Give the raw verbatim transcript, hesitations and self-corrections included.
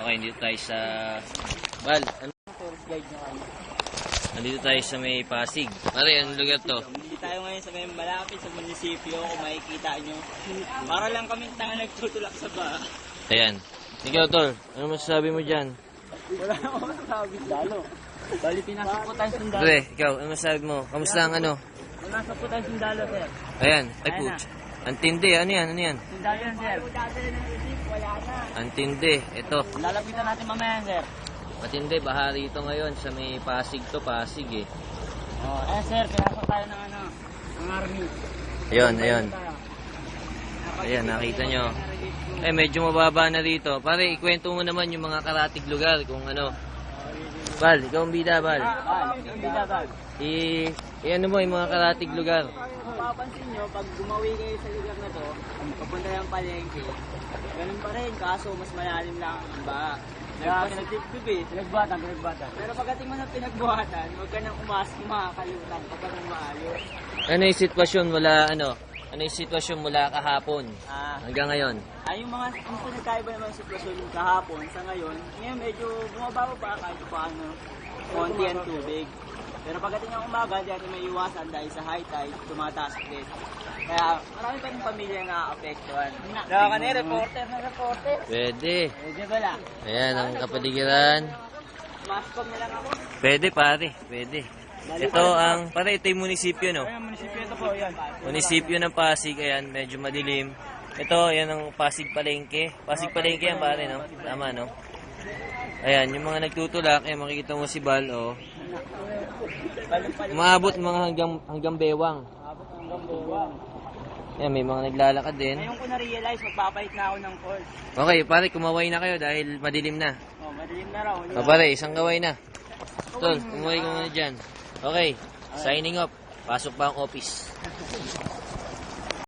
Okay, dito tayo sa... Bal, ano? Nandito tayo sa may Pasig. Pare, anong lugar to? Hindi tayo ngayon sa may malapit sa munisipyo, kung makikita nyo. Para lang kami tanga nagtutulak sa ba. Ayan. Ikaw, Tol, ano masasabi mo dyan? Wala akong masasabi. Sundalo. Bali, pinasok po tayo sundalo. Pre, ikaw, ano masasabi mo? Kamusta ang ano? Pinasok po tayo sundalo, sir. Ayan, ay Ayan putz. Antindi, ano yan, ano yan? Sundalo yan, sir. Wala na. Antindi, ito. Lalapitan natin mamaya, sir. Matindi, baha rito ngayon sa may Pasig to, Pasig eh. Oh, eh, sir, pinasok tayo ng ano, ng army. Ayun, ayun. Ayan, nakita nyo. Eh, medyo mababa na rito. Pare, ikwento mo naman yung mga karatig lugar kung ano. Bal, ikaw ang bida, Bal. Ah, hindi dapat. I, i ano mo yung mga karatig lugar. Kung mapapansin nyo, pag gumawi kayo sa lugar na to, papunta yung palengke, ganun pa rin, kaso mas malalim lang ang ba. Nagpasitip eh. Pinagbuhatan, pinagbuhatan. Pero pagdating mo ng pinagbuhatan, huwag ka nang umas, makakalimutan kapag ang maayos. Ano yung sitwasyon mula, ano? Ano yung sitwasyon mula kahapon Ah, hanggang ngayon? ay yung mga, yung pinagkaiba naman yung sitwasyon kahapon sa ngayon, ngayon medyo bumabago pa kahit paano, konti ang tubig. Pero pagdating ng umaga, hindi natin may iwasan dahil sa high tide, tumataas ulit. Kaya marami pa rin pamilya na apektuhan. Dawa ka na, reporter na reporter. Pwede. Pwede ba lang? Ayan, ang kapaligiran. Mascom na lang ako. Pwede, pare. Pwede. Ito ang, pare, ito yung munisipyo, no? Ayun, munisipyo ito po, yan. Munisipyo ng Pasig, ayan, medyo madilim. Ito, yan ang Pasig Palengke. Pasig Palengke yan, pare, no? Tama, no? Ayan, yung mga nagtutulak, ayan, makikita mo si Bal, oh. Umaabot mga hanggang, hanggang bewang. Abot hanggang buwang. Ayan, may mga naglalakad din. Ngayon ko na-realize, magpapalit na ako ng course. Okay, pare, kumaway na kayo dahil madilim na. Oh, madilim na raw. O, pare, isang gaway na. Tol, kumaway ka muna dyan. Okay, signing off. Pasok pa ang office.